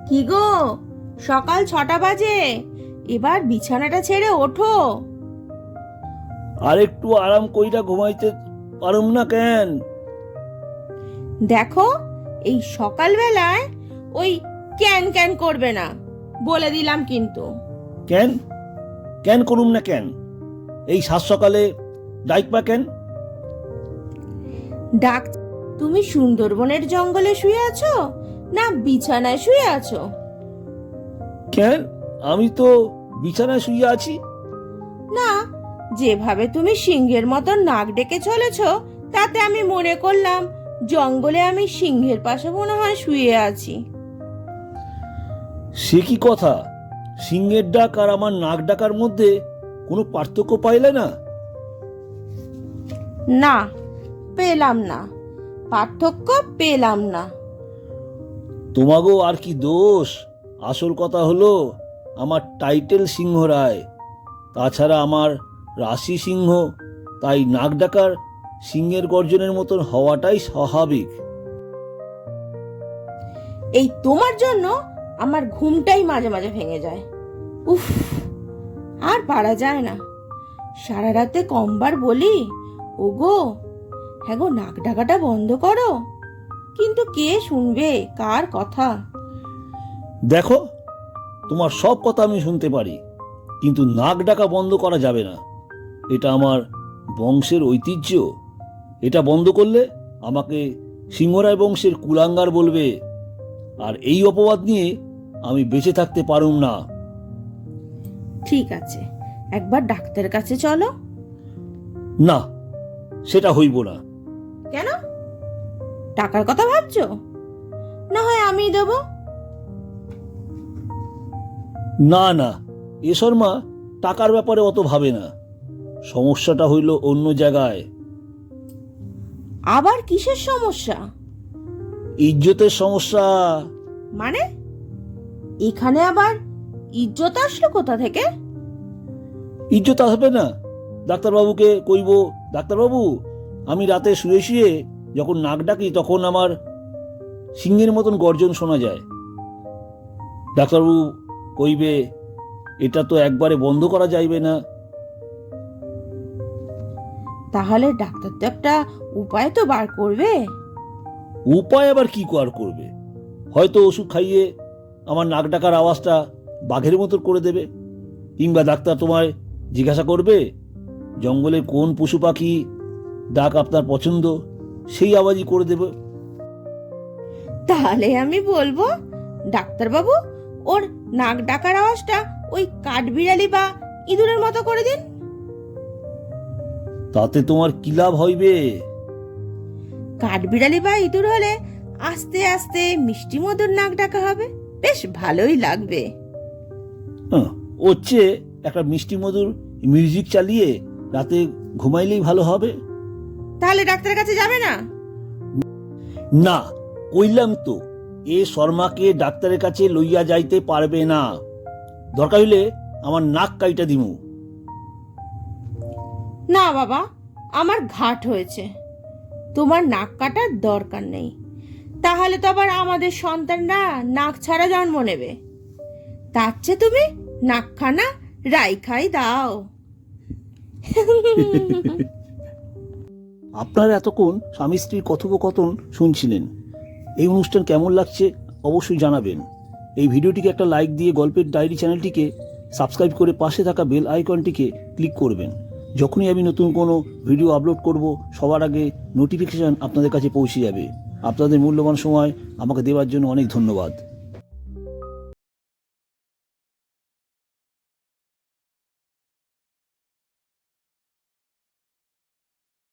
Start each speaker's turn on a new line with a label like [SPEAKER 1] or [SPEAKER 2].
[SPEAKER 1] কি গো, সকাল 6টা বাজে, এবার বিছানাটা ছেড়ে ওঠো।
[SPEAKER 2] আর একটু আরাম কইরা ঘুমাইতে পারুম না কেন?
[SPEAKER 1] দেখো, এই সকালবেলায় ওই ক্যান ক্যান করবে না, বলে দিলাম কিন্তু।
[SPEAKER 2] কেন কেন করুম না কেন? এই সাত সকালে ডাইকবা কেন?
[SPEAKER 1] ডাক, তুমি সুন্দরবনের জঙ্গলে শুয়ে আছো না বিছানায় শুয়ে আছো?
[SPEAKER 2] কেন, আমি তো বিছানায় শুয়ে আছি।
[SPEAKER 1] না, যেভাবে তুমি সিংহের মতো নাক ডেকে চলেছ, তাতে আমি মনে করলাম জঙ্গলে আমি সিংহের পাশে মনে হয় শুয়ে আছি।
[SPEAKER 2] সে কি কথা? সিংহের ডাক আর আমার নাক ডাকার মধ্যে কোনো পার্থক্য পাইলে না?
[SPEAKER 1] না, পেলাম না, পার্থক্য পেলাম না।
[SPEAKER 2] তোমাগো আর কি দোষ? আসল কথা হলো আমার টাইটেল সিংহ রায়, তাছাড়া আমার রাশি সিংহ, তাই নাক ডাকার সিংহের গর্জনের মতন হওয়াটাই স্বাভাবিক।
[SPEAKER 1] এই তোমার জন্য আমার ঘুমটাই মাঝে মাঝে ভেঙে যায়। উফ, আর পারা যায় না। সারা রাতে কমবার বলি, ওগো হ্যাঁ গো, নাক ডাকাটা বন্ধ করো, কিন্তু কে শুনবে কার কথা?
[SPEAKER 2] দেখো, তোমার সব কথা আমি শুনতে পারি, কিন্তু নাক ডাকা বন্ধ করা যাবে না। এটা আমার বংশের ঐতিহ্য। এটা বন্ধ করলে আমাকে সিংহরায় বংশের কুলাঙ্গার বলবে, আর এই অপবাদ নিয়ে আমি বেঁচে থাকতে পারুম না।
[SPEAKER 1] ঠিক আছে, একবার ডাক্তারের কাছে চলো।
[SPEAKER 2] না, সেটা হইব না।
[SPEAKER 1] কেন? টাকার কথা ভাবছো? না হয় আমি দেবো।
[SPEAKER 2] না না, এ শর্মা টাকার ব্যাপারে অত ভাবে না। সমস্যাটা হইল অন্য জায়গায়।
[SPEAKER 1] আবার কিসের সমস্যা?
[SPEAKER 2] ইজ্জতের সমস্যা।
[SPEAKER 1] মানে এখানে আবার ইজ্জত আসলো কোথা থেকে?
[SPEAKER 2] ইজ্জত আসবে না? ডাক্তারবাবুকে কইব, ডাক্তারবাবু, আমি রাতে শুয়ে শুয়ে যখন নাক ডাকি তখন আমার সিংহের মতন গর্জন শোনা যায়। ডাক্তারবাবু কইবে, এটা তো একবারে বন্ধ করা যাইবে না।
[SPEAKER 1] তাহলে ডাক্তার তো একটা উপায় তো বার করবে।
[SPEAKER 2] উপায় আবার কি আর করবে? হয়তো ওষুধ খাইয়ে আমার নাক ডাকার আওয়াজটা বাঘের মতো করে দেবে, কিংবা ডাক্তার তোমায় জিজ্ঞাসা করবে জঙ্গলের কোন পশু পাখি ডাক আপনার পছন্দ, সেই আওয়াজই করে দেবে।
[SPEAKER 1] তাহলে আমি বলবো, ডাক্তারবাবু, ওর নাক ডাকার আওয়াজটা ওই কাঠবিড়ালি বা ইঁদুরের মতো করে দিন।
[SPEAKER 2] তাতে তোমার কি লাভ হইবে?
[SPEAKER 1] কাঠবিড়ালি বা ইঁদুর হলে আস্তে আস্তে মিষ্টি মধুর নাক ডাকা হবে, বেশ ভালোই লাগবে।
[SPEAKER 2] ওর চেয়ে একটা মিষ্টি মধুর মিউজিক চালিয়ে রাতে ঘুমাইলেই ভালো হবে।
[SPEAKER 1] তাহলে ডাক্তারের কাছে যাবে না?
[SPEAKER 2] না, কইলাম তো, এ শর্মাকে ডাক্তারের কাছে লইয়া যাইতে পারবে না। দরকার হইলে আমার নাক কাইটা দিমু।
[SPEAKER 1] না বাবা, আমার ঘাট হয়েছে, তোমার নাক কাটার দরকার নেই। তাহলে তো আবার আমাদের সন্তানরা নাক ছাড়া জন্ম নেবে। তার চেয়ে তুমি নাকখানা রাইখাই দাও।
[SPEAKER 2] আপনারা এতক্ষণ স্বামী স্ত্রীর কথোপকথন শুনছিলেন। এই অনুষ্ঠান কেমন লাগছে অবশ্যই জানাবেন। এই ভিডিওটিকে একটা লাইক দিয়ে গল্পের ডায়েরি চ্যানেলটিকে সাবস্ক্রাইব করে পাশে থাকা বেল আইকনটিকে ক্লিক করবেন। যখনই আমি নতুন কোনো ভিডিও আপলোড করব, সবার আগে নোটিফিকেশন আপনাদের কাছে পৌঁছে যাবে। আপনাদের মূল্যবান সময় আমাকে দেওয়ার জন্য অনেক ধন্যবাদ।